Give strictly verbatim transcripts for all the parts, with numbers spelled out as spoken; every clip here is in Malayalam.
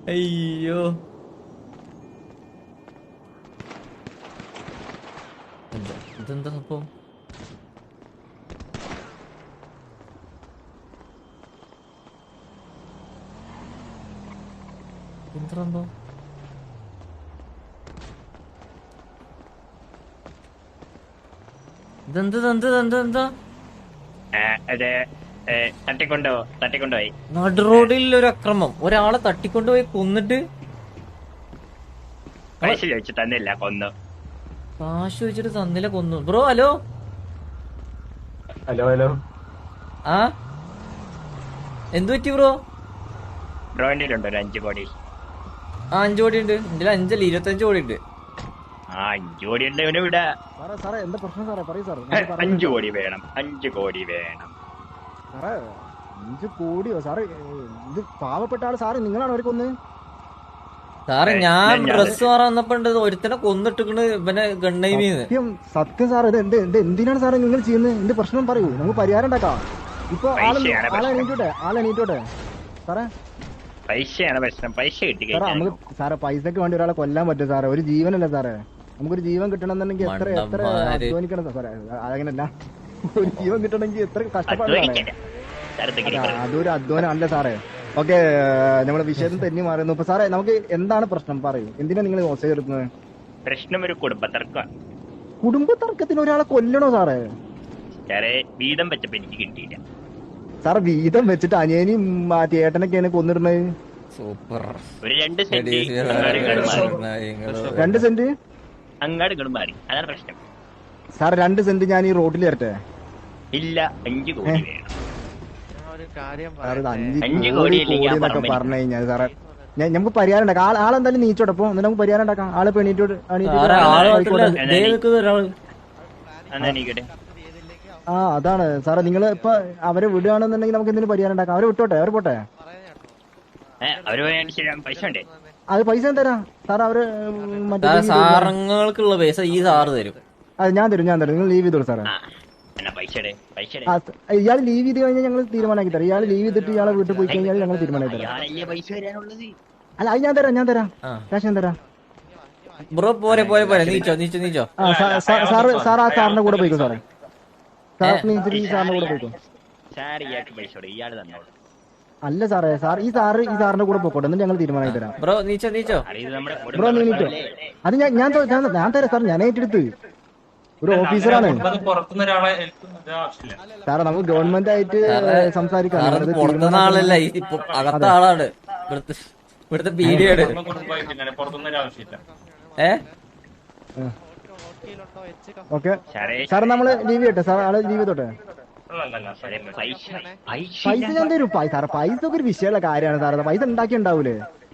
അയ്യോ ഇതെന്താ സംഭവം? എന്താ സംഭവം? ഇതെന്താ എന്താ എന്താ എന്താ തട്ടിക്കൊണ്ടോ തട്ടിക്കൊണ്ടുപോയി നടു റോഡിൽ ഒരു അക്രമം, ഒരാളെ തട്ടിക്കൊണ്ടുപോയി കൊന്നിട്ട് പൈസ ചോദിച്ചു തന്നില്ല, കൊന്നു. കാശ് വെച്ചിട്ട് തന്നില്ല, കൊന്നു. ബ്രോ ഹലോ ഹലോ ഹലോ ആ എന്തു പറ്റി ബ്രോ? ബ്രോയിൻ്റെ ഉണ്ടോ ഒരു അഞ്ചു കോടി? ആ അഞ്ചു കോടി ഉണ്ട് ഇതിൽ, അഞ്ചല്ല ഇരുപത്തഞ്ച് കോടി ഉണ്ട്. ആ അഞ്ചു കോടി ഉണ്ട് ഇവന് ഇവിടെ. അഞ്ചു കോടി വേണം, അഞ്ചു കോടി വേണം. സാറേ അഞ്ചു കോടിയോ സാറേ? ഇത് പാവപ്പെട്ട ആള് സാറേ, നിങ്ങളാണ് അവരെ കൊന്ന്? സാറേ ഞാൻ ഡ്രസ് മാറാൻ വന്നപ്പോ ഒരുത്തനെ കൊന്നിട്ടിക്കണ് ഇവനെ ഗണ്ണൈമീന്ന്. സത്യം സത്യം സാറേ, ഇത് എന്ത് എന്ത് എന്തിനാണ് സാറേ നിങ്ങൾ ചെയ്യുന്നത്? എന്റെ പ്രശ്നം പറയൂ, നമുക്ക് പരിഹാരം ഉണ്ടാക്കാം. ഇപ്പൊ ആള് ആളെ എണീറ്റോട്ടെ, ആളെ എണീറ്റോട്ടെ സാറേ. പൈസയാണ് പ്രശ്നം, പൈസ കിട്ടി സാറേ നമുക്ക് സാറേ പൈസക്ക് വേണ്ടി ഒരാളെ കൊല്ലാൻ പറ്റും സാറേ? ഒരു ജീവനല്ലേ സാറേ? നമുക്കൊരു ജീവൻ കിട്ടണമെന്നുണ്ടെങ്കിൽ എത്ര എത്ര അധ്വാനിക്കണം സാറേ? അങ്ങനല്ല, ഒരു ജീവൻ കിട്ടണമെങ്കിൽ എത്ര കഷ്ടപ്പാടാണ്. അതൊരു അധ്വാനം അല്ല സാറേ. ഓക്കെ, നമ്മുടെ വിഷയത്തിൽ തെന്നി മാറുന്നു. ഇപ്പൊ സാറേ നമുക്ക് എന്താണ് പ്രശ്നം പറയൂ, എന്തിനാ നിങ്ങൾ മെസ്സേജ് എടുക്കുന്നത്? പ്രശ്നം ഒരു കുടുംബ തർക്കമാണ്. കുടുംബ തർക്കത്തിന് ഒരാളെ കൊല്ലണോ സാറേ? സാറേ വീതം വെച്ചപ്പോ എനിക്ക് കിട്ടിയില്ല. സാറ് വീതം വെച്ചിട്ട് അനിയനും ചേട്ടനൊക്കെയാണ് കൊന്നിടുന്നത്. സൂപ്പർ. ഒരു രണ്ട് സെന്റ് രണ്ട് സെന്റ് അങ്ങാട് ഇങ്ങോട്ട് മാറി, അതാണ് പ്രശ്നം. സാർ രണ്ട് സെന്റ് ഞാൻ ഈ റോഡിൽ തരട്ടെ? ഇല്ല, അഞ്ചു കോടി വേണം. അഞ്ച് കോടി എന്നൊക്കെ പറഞ്ഞു കഴിഞ്ഞാൽ സാറേ നമുക്ക് പരിഹാരം ഉണ്ടാക്കാം. ആൾ ആളെന്തായാലും നീച്ചോട്ടെ, അപ്പൊ എന്നിട്ട് നമുക്ക് പരിഹാരം ഉണ്ടാക്കാം. ആളെ പെണീറ്റോട് ആ അതാണ് സാറേ, നിങ്ങൾ ഇപ്പൊ അവരെ വിടുകയാണെന്നുണ്ടെങ്കിൽ നമുക്ക് എന്തെങ്കിലും പരിഹാരം ഉണ്ടാക്കാം. അവരെ വിട്ടോട്ടെ, അവര് പോട്ടെ. അത് പൈസ തരാം സാർ. അവര് മറ്റേ സാറങ്ങൾക്കുള്ള പൈസ ഈ സാറ് തരും. അത് ഞാൻ തരും, ഞാൻ തരും. നിങ്ങൾ ലീവ് ചെയ്തോളൂ സാറേ. ഇയാൾ ലീവ് ചെയ്ത് കഴിഞ്ഞാൽ ഞങ്ങൾ തീരുമാനമാക്കി തരാം. ഇയാൾ ലീവ് ചെയ്തിട്ട് ഇയാളെ വീട്ടിൽ പോയി കഴിഞ്ഞാൽ ഞങ്ങൾ തീരുമാനമാക്കി തരാം. അല്ല അത് ഞാൻ തരാം, ഞാൻ തരാം, ക്യാഷ് ഞാൻ തരാം. ബ്രോ പോരെ പോരെ പോരെ നീച്ചോ നീച്ചോ നീച്ചോ. സാറ് സാർ ആ സാറിന്റെ കൂടെ പോയിക്കോ സാറേ. സാറിന് നീച്ചിട്ട് ഈ സാറിന്റെ കൂടെ പോയിക്കോ. അല്ല സാറേ, സാർ ഈ സാറ് ഈ സാറിന്റെ കൂടെ പോയിക്കോട്ടെ, എന്നിട്ട് ഞങ്ങൾ തീരുമാനമാക്കി തരാം. ബ്രോ നീച്ചോ നീച്ചോ. ബ്രോ നീ നീച്ചോ. അത് ഞാൻ ഞാൻ ഞാൻ തരാം സാർ, ഞാൻ ഏറ്റെടുത്ത്. ഒരു ഓഫീസറാണ് സാറേ, നമുക്ക് ഗവൺമെന്റ് ആയിട്ട് സംസാരിക്കാം. പുറത്തുനിന്ന ആളല്ല, അകത്ത ആളാണ് ഇവിടുത്തെ പീഡിയാണ്. ഏ ഓക്കെ സാർ, നമ്മള് ലീവ് ചെയ്യട്ടെ സാർ? ആള് ലീവ് ചെയ്തോട്ടെ. പൈസ ഞാൻ തരും സാറേ. പൈസ ഒക്കെ ഒരു വിഷയമുള്ള കാര്യമാണ് സാറേ. പൈസ ഉണ്ടാക്കി ഉണ്ടാവൂലേ?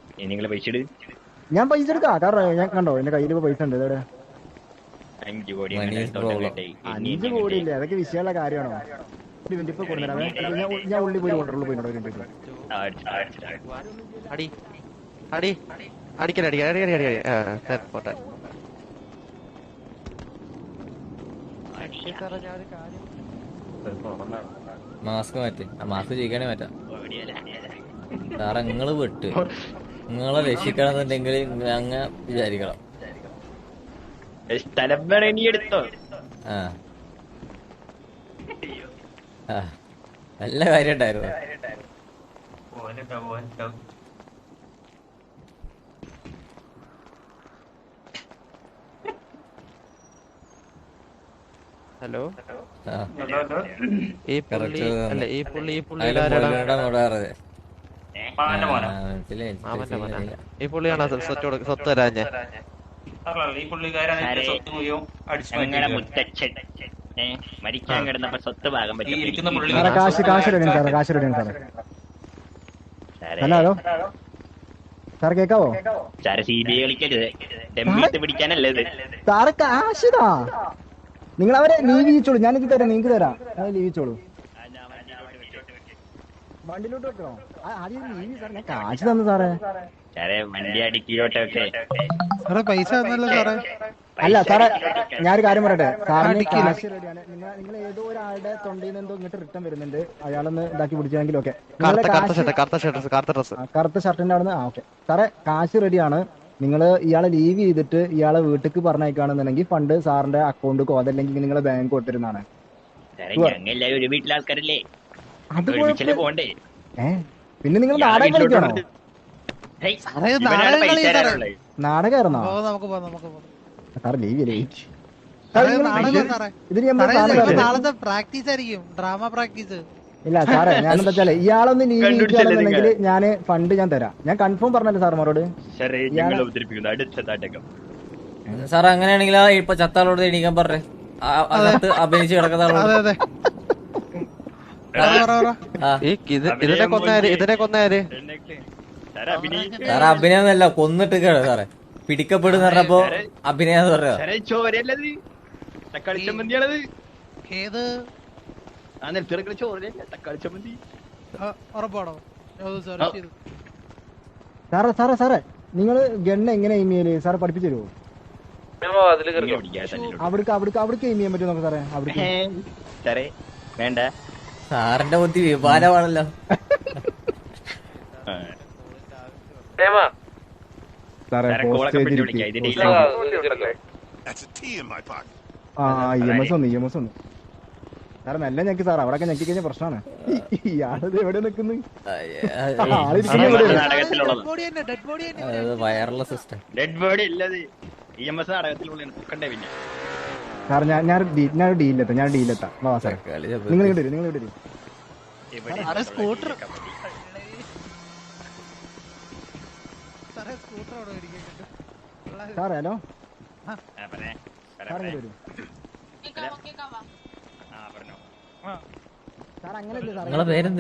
ഞാൻ പൈസ എടുക്കാം. കാരണം ഞാൻ കണ്ടോ എന്റെ കയ്യിൽ ഇപ്പൊ പൈസ ഉണ്ട്. ഇതോടെ അഞ്ചു കോടി അഞ്ചു കോടി ഇല്ലേ? അതൊക്കെ വിഷയമുള്ള കാര്യമാണോ? ഇപ്പൊ കൊണ്ടുവരാം. ഞാൻ ഉള്ളി പോയി കൊണ്ടുള്ളൂ പോയി അടി അടി അടിക്കല അടി അടി അടി അടി പോട്ടെ. മാസ്ക് മാറ്റി, ആ മാസ്ക് ചെയ്യിക്കാനേ മാറ്റാം സാറേ. നിങ്ങള് വിട്ട് നിങ്ങളെ രക്ഷിക്കണമെന്നുണ്ടെങ്കിൽ അങ്ങ് വിചാരിക്കണം. സ്ഥലം വേണം ഇനി എടുത്തോ. ആ നല്ല കാര്യം ഉണ്ടായിരുന്നു. ഹലോ, ഈ പുള്ളി അല്ല ഈ പുള്ളി ഈ പുള്ളി ഈ പുള്ളിയാണോ സ്വത്ത് സ്വത്ത് തരാഞ്ഞ? മരിക്കാൻ കിടന്നപ്പോ സ്വത്ത് ഭാഗം കാശ് കാശ് റെഡി സാറേ, കാശ് റെഡി സാറേ. ഹലോ ഹലോ സാർ കേക്കാവോ? സാറ് സി ബി ഐ കളിക്കരുത്, പിടിക്കാനല്ലേ സാറ് കാശിതാ. നിങ്ങൾ അവരെ ലീവ് ചെയ്യിച്ചോളൂ, ഞാനിത് തരാം, നിങ്ങൾക്ക് തരാം. അത് ലീവ് ചെയ്യിച്ചോളൂ. വണ്ടിയിലോട്ട് വെക്കണോ? ആദ്യം ലീവ് സാറേ, ഞാൻ കാശ് തന്നു സാറേ. സാറേ വണ്ടി അടിക്കോട്ടെ. സാറേ പൈസ തന്നല്ലോ സാറേ. അല്ല സാറേ ഞാനൊരു കാര്യം പറയട്ടെ, സാറിന് കാശ് റെഡിയാണ്. നിങ്ങൾ നിങ്ങൾ ഏതോ ഒരാളുടെ തൊണ്ടയിൽ നിന്ന് എന്തോ ഇങ്ങോട്ട് റിട്ടേൺ വരുന്നുണ്ട്, അയാളൊന്ന് ഇതാക്കി പിടിച്ചെങ്കിൽ ഓക്കെ. കറുത്ത ഷർട്ടിന്റെ അവിടെ നിന്ന് ആ ഓക്കെ സാറേ, കാശ് റെഡിയാണ്. നിങ്ങൾ ഇയാളെ ലീവ് ചെയ്തിട്ട് ഇയാളെ വീട്ടിലേക്ക് പറഞ്ഞയക്കുകയാണെന്നുണ്ടെങ്കിൽ ഫണ്ട് സാറിന്റെ അക്കൗണ്ടിക്കോ അതല്ലെങ്കിൽ നിങ്ങളെ ബാങ്ക് കൊടുത്തിരുന്നാണ്. എല്ലാവരും ഒരു വീട്ടിലെ ആൾക്കാരല്ലേ, അത് ഒരുമിച്ചല്ലേ പോണ്ടേ? ഏഹ് പിന്നെ നിങ്ങൾ നാടകം കളിക്കണോ? നാടകമായിരുന്നോ സാറ്? ലീവ് ചെയ്യേ ഇതിന് നാളത്തെ പ്രാക്ടീസ് ആയിരിക്കും, ഡ്രാമ പ്രാക്ടീസ്. ഇല്ല സാറേ, ഞാനെന്താ വെച്ചാല് ഇയാളൊന്ന് ലീവ് ചെയ്യണമെന്നുണ്ടെങ്കിൽ ഞാൻ ഫണ്ട് ഞാൻ തരാം. ഞാൻ കൺഫേം പറഞ്ഞല്ലോ സാർമാരോട്. സാർ അങ്ങനെയാണെങ്കിൽ ആ ഇപ്പൊ ചത്താളോട് എണീക്കാൻ പറഞ്ഞേ, അകത്ത് അഭിനയിച്ച് കിടക്കുന്ന ആളോട്. ഇതിനെ കൊന്നാര് ഇതിനെ കൊന്നാര് സാറേ അഭിനയൊന്നല്ല, കൊന്നിട്ട് കേട്ടോ സാറേ. പിടിക്കപ്പെടുന്ന പറഞ്ഞപ്പോ അഭിനയാന്ന് പറയാ. ഏത് ഉറപ്പാണോ? സാറേ സാറേ സാറേ നിങ്ങള് ഗണ്ണ് എങ്ങനെ എയിം ചെയ്യല് സാറ് പഠിപ്പിച്ചു തരുമോ? അവിടേക്ക് അവിടേക്ക് അവിടേക്ക് എയിം ചെയ്യാൻ പറ്റുമോ നമുക്ക് സാറേ? അവിടേക്ക് വേണ്ട, സാറിന്റെ ബുദ്ധി വിഭാഗമാണല്ലോ. സാറേ ആ ഇ എം എസ് ഒന്ന് ഇ എം എസ് ഒന്ന് സാറേ നല്ല ഞെക്കി സാർ, അവിടെ ഞെക്കി കഴിഞ്ഞ പ്രശ്നമാണ്. ഇയാളത് എവിടെ നിൽക്കുന്നു? വയർലെസ് സിസ്റ്റം സാർ ഞാൻ ഞാൻ ഞാൻ ഡീലെത്താം ഞാൻ ഡീലെത്താം വാ സാറേ. നിങ്ങൾ ഇവിടെ നിങ്ങൾ ഇവിടെ സ്കൂട്ടർ സാറേ ഹലോ സാർ ഇങ്ങോട്ട് വരും സാർ. അങ്ങനെയല്ലേ സാർ, നിങ്ങളെ പേരെന്ത്?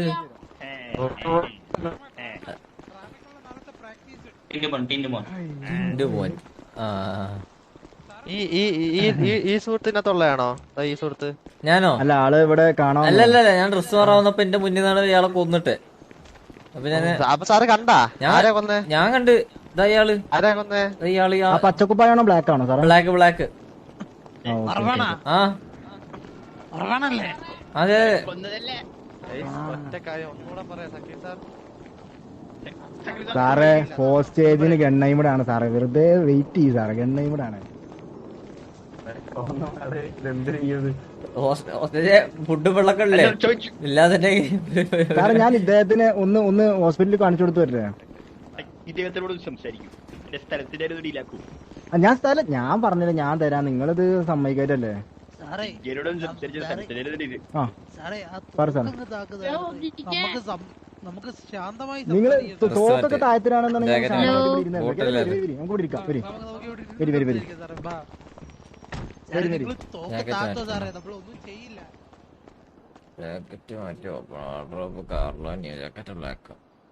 ഈ സുഹൃത്തിനകത്തുള്ളതാണോ ഈ സുഹൃത്ത്? ഞാനോ? അല്ല ആള് ഇവിടെ കാണാൻ. അല്ലല്ല ഞാൻ ഡ്രസ് മാറാവുന്നപ്പോ എന്റെ മുന്നിൽ നിന്നാണ് ഇയാളെ കൊന്നിട്ട്. അപ്പൊ ഞാൻ അപ്പൊ സാറ് കണ്ടാ ആരാ കൊന്നേ? ഞാൻ കണ്ട് ഇയാള് ആരാ കൊന്നേ? ഇയാള് പച്ചക്കുപ്പായാണോ ബ്ലാക്ക് ആണോ സാർ? Black black. ആ അതെ ഒറ്റ കാര്യം ഒന്നുകൂടെ പറയാം സക്കീർ സാർ. സാറേ ഹോസ്റ്റേജിന് ഗണ്ണൈമിടാണ് സാറേ, വെറുതെ വെയിറ്റ് ചെയ്യും സാറേ. ഗണ്ണൈമിടാണ് ഫുഡ് വെള്ളക്കല്ലേ ഇല്ലാതെ സാറേ. ഞാൻ ഇദ്ദേഹത്തിന് ഒന്ന് ഒന്ന് ഹോസ്പിറ്റലിൽ കാണിച്ചു കൊടുത്തു വരട്ടെ? ഇദ്ദേഹത്തിനോട് സംസാരിക്കും, എന്റെ സ്ഥലത്തിന്റെ ഇടയിലാക്കും. ഞാൻ സ്ഥലം ഞാൻ പറഞ്ഞില്ല, ഞാൻ തരാം. നിങ്ങളിത് സമ്മതിക്കാറ്റല്ലേ? നമുക്ക് ശാന്തമായി നിങ്ങള് തോക്കൊക്കെ താഴത്തിലാണെന്നുണ്ടെങ്കിൽ നമുക്ക് ഇവിടെ ഇരിക്കാം. വരി വരി വരി വരി നമ്മളൊന്നും ചെയ്യില്ല. ജാക്കറ്റ് മാറ്റോ കാർലോ ജാക്കറ്റ് ബ്ലാക്ക്.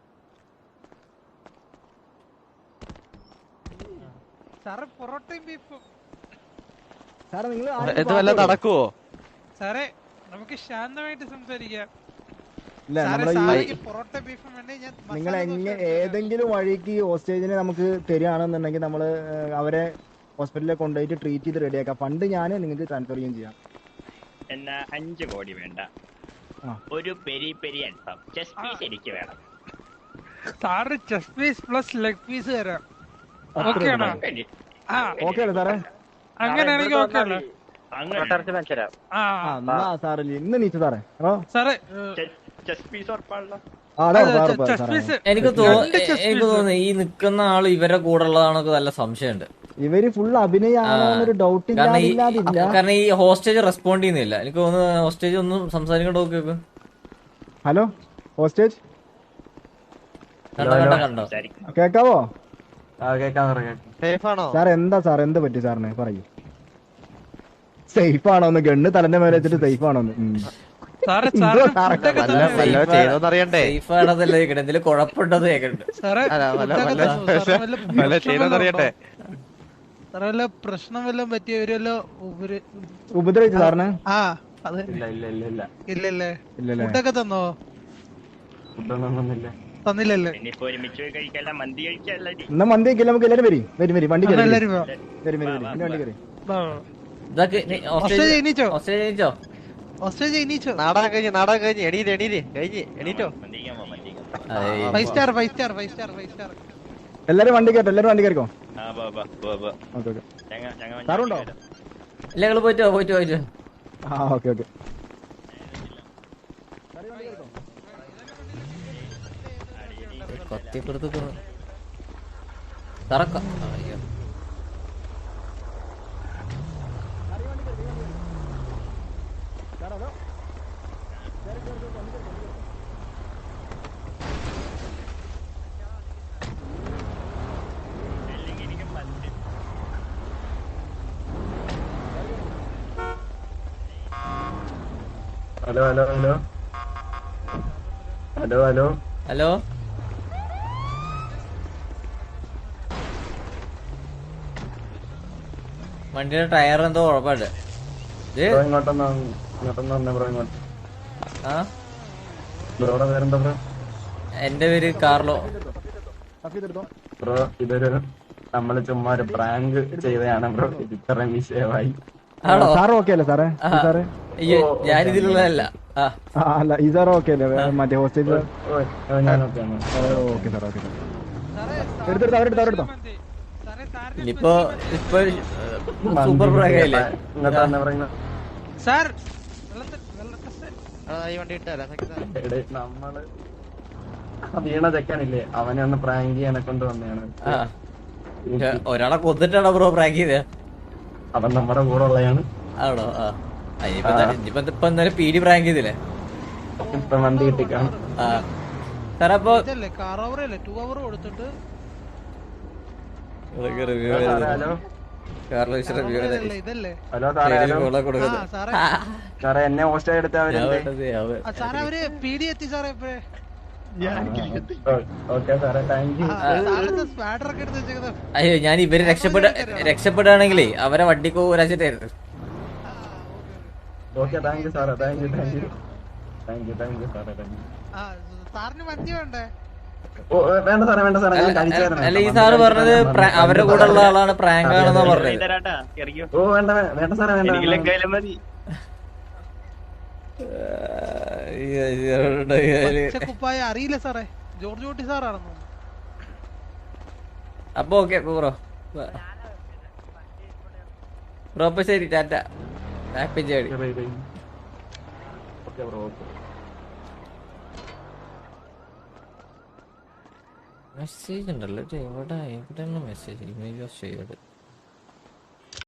സാറേ പൊറോട്ടയും ബീഫും സാറേ നിങ്ങൾ ഇത് വല്ല നടക്കുവോ? സാറേ നമുക്ക് ശാന്തമായിട്ട് സംസാരിക്കാം. പൊറോട്ട ബീഫും വേണ്ടേ? ഞാൻ നിങ്ങൾ എങ്ങനെ ഏതെങ്കിലും വഴിക്ക് ഹോസ്റ്റേജിനെ നമുക്ക് തരികയാണെന്നുണ്ടെങ്കിൽ നമ്മള് അവരെ ഹോസ്പിറ്റലിൽ കൊണ്ടുപോയിട്ട് ട്രീറ്റ് ചെയ്ത് റെഡിയാക്കാം. ഫണ്ട് ഞാൻ നിങ്ങൾക്ക് ട്രാൻസ്ഫർ ചെയ്യുകയും ചെയ്യാം. എന്നാ അഞ്ചു കോടി വേണ്ട, ഒരു പെരി പെരി അൽഫാം ചെസ്റ്റ് പീസ് എനിക്ക് വേണം. സാറ് chest piece plus leg piece തരാം. ഓക്കെ ആണോ? ഓക്കെ അല്ലേ സാറേ? അങ്ങനെയാണെങ്കിൽ ഓക്കെ അല്ലേ? ഇന്ന് നീച്ചു സാറേ. സാറേ എനിക്ക് തോന്നുന്നു എനിക്ക് തോന്നുന്നു ഈ നിക്കുന്ന ആള് ഇവരുടെ കൂടെ ഉള്ളതാണൊക്കെ നല്ല സംശയമുണ്ട്. ഇവര് ഫുൾ അഭിനയാണോന്നൊരു ഡൗട്ട് ഇല്ല. കാരണം ഈ ഹോസ്റ്റേജ് റെസ്പോണ്ട് ചെയ്യുന്നില്ല. എനിക്ക് തോന്നുന്നു ഹോസ്റ്റേജ് ഒന്നും സംസാരിക്കണ്ട. നോക്കിയോക്ക്. ഹലോ ഹോസ്റ്റേജ് കണ്ടോ കണ്ടോ കണ്ടോ കേക്കാവോ? സേഫ് ആണോ സാർ? എന്താ സാർ എന്ത് പറ്റി സാറിന് പറയൂ. സേഫ് ആണോന്ന് ഗണ്ണ് തലന്റെ മേലെ വെച്ചിട്ട് സേഫ് ആണോന്ന് ചെയ്തോന്നറിയണ്ടേ? സേഫ് ആണെന്നല്ല കേൾക്കണേ, എന്തെങ്കിലും കുഴപ്പമുണ്ടോന്ന് കേൾക്കണ്ട്. ചെയ്തോന്നറിയണ്ടേ? സാറല്ല പ്രശ്നം വല്ലതും പറ്റിയവരല്ലോ ഉപദ്രവിച്ചു സാറിന്? ആ അതെ. ഇല്ലല്ലേ? ഫുഡൊക്കെ തന്നോ? തന്നില്ലല്ലേ? എന്നാ മന്തി കഴിക്കല്ല. നമുക്ക് എല്ലാരും വരും വരും വരും വണ്ടി കയറി വരും വരും വണ്ടി കയറി. ഇതൊക്കെ നീ ഓസ്ട്രേലിയ ഓസ്ട്രേലിയ ജയിച്ചോ? ഓസ്ട്രേലിയ ജയിച്ചോ? ഓസ്ട്രേലിയ ജയിച്ചോ? നാടകം കഴിഞ്ഞ് നാടകം കഴിഞ്ഞ് എണീറ്റ് എണീറ്റ് കഴിഞ്ഞ് എണീറ്റോ മന്ദിക്കാൻ പോ മന്ദിക്കാൻ പോ. ഏയ്. Five star five star five star five star. എല്ലാരും വണ്ടി കയറ്റോ, എല്ലാരും വണ്ടി കയറിക്കോ. ആ പോ പോ പോ പോ. Okay okay. ചങ്ങ ചങ്ങ മഞ്ഞ സാറുണ്ടോ? വരും. ഇല്ല നിങ്ങള് പോയിട്ടോ പോയിട്ടോ പോയിട്ടോ. ആ ഓക്കെ ഓക്കെ. കത്തിപ്പെടുത്ത് തറക്ക അയ്യോ. അല്ലെങ്കിൽ എനിക്ക് പത്ത്. Hello hello hello hello hello hello വണ്ടിയുടെ ടയർ എന്തോ കുഴപ്പമില്ല. ഇത് ബ്രോ ഇങ്ങോട്ടൊന്ന് ഇങ്ങോട്ടൊന്ന് വന്നേ ബ്രോ ഇങ്ങോട്ട്. ആ ബ്രോയുടെ പേരെന്താ ബ്രോ? എന്റെ പേര് കാർലോ. ബ്രോ ഇതൊരു നമ്മള് ചുമ്മാ ഒരു പ്രാങ്ക് ചെയ്തതാണ് ബ്രോ. ഇത് ഇത്രയും വിഷയമായി. ആണോ? സാറ് ഓക്കെ അല്ലേ സാറേ? ആ. ഈ സാറ് അയ്യോ ഞാനിതിലുള്ളതല്ല. ആ ആ അല്ല ഈ സാറ് ഓക്കെ അല്ലേ? മറ്റേ ഹോസ്റ്റലിൽ ഓ ഓ, ഞാനൊക്കെയാണ്. Okay sir okay sir. എടുത്തെടുത്തോ അവരെടുത്തോ അവരെടുത്തോ. ഇനിയിപ്പോ ഇപ്പൊ സൂപ്പർ പ്രാങ്കല്ലേ? ഇങ്ങോട്ട് വന്നേ ബ്രോ ഇങ്ങോട്ട്. സാർ ഈ വണ്ടി ഇട്ടല്ല എടേ, നമ്മള് ആ വീണ ചെക്കനില്ലേ അവനെ ഒന്ന് പ്രാങ്ക് ചെയ്യാനെ കൊണ്ട് വന്നതാണ്. ആ ഒരാളെ കൊന്നിട്ടാണോ ബ്രോ പ്രാങ്ക് ചെയ്തേ? അവൻ നമ്മുടെ കൂടെ ഉള്ളതാണ്. ആണോ? ആ ഇനിയിപ്പോ എന്താ- ഇനിയിപ്പോ ഇപ്പൊ എന്തായാലും പീഡി പ്രാങ്ക് ചെയ്തില്ലേ? ഇപ്പൊ വണ്ടി കിട്ടിക്കാണ്. ആ സാറേ അപ്പൊ ഇതല്ലേ കാർ ഓവർ അല്ലേ ടു അവർ കൊടുത്തിട്ട് റിവ്യൂ ഹലോ കാർലോ റിവ്യൂ ഇതല്ലേ ഇതല്ലേ ഹലോ സാറേ ഹലോ ആ കൊടുക്കുന്നത്. സാറേ സാറേ എന്നെ ഹോസ്റ്റ് എടുത്ത ഞാൻ അവരെന്തേ? വേണ്ടത് അവൻ ആ, സാറേ അവര് പീഡി എത്തി സാറേ ഇപ്പഴേ. ഓക്കെ സാറേ താങ്ക് യു. സാറിന്റെ സ്പാഡർ ഒക്കെ എടുത്ത് വെച്ചേക്കുന്നത്. അയ്യോ ഞാൻ ഇവര് രക്ഷപ്പെട രക്ഷപ്പെടുകയാണെങ്കിലേ അവരെ വണ്ടിക്ക് ഒരാഴ്ചയായിരുന്നു. ഓക്കെ താങ്ക് യു സാറേ thank you thank you thank you thank you സാറേ താങ്ക് യു. ആ സാറിന് മന്തി വേണ്ടേ? ഓ ഏ, വേണ്ട സാറേ വേണ്ട സാറേ ഞാൻ കഴിച്ചായിരുന്നു. അല്ല ഈ സാറ് പറഞ്ഞത് പ്ര- അവരുടെ കൂടെ ഉള്ള ആളാണ് പ്രാങ്ക് ആണെന്നാ പറഞ്ഞത്. തരാട്ടാ ഇറങ്ങിയോ. ഓ വേണ്ട വേ- വേണ്ട സാറേ വേണ്ട എനിക്ക് വേണ്ട. ലങ്കായാലും മതി. അയ്യോ, അയ്യോ, അയ്യോ. പച്ചക്കുപ്പായ അറിയില്ല സാറേ. ജോർജ് കുട്ടി സാറാണെന്ന് തോന്നുന്നു. അപ്പൊ ഓക്കെ ബ്രോ ബ്രോ അപ്പൊ ശരി ടാറ്റ. Happy journey. Okay, bye, bye. Okay bro okay. Message ഉണ്ടല്ലോ ഇത് എവിടെ എവിടെയാണ് മെസ്സേജ് ഇമേജ് ഓഫ് ചെയ്തത്?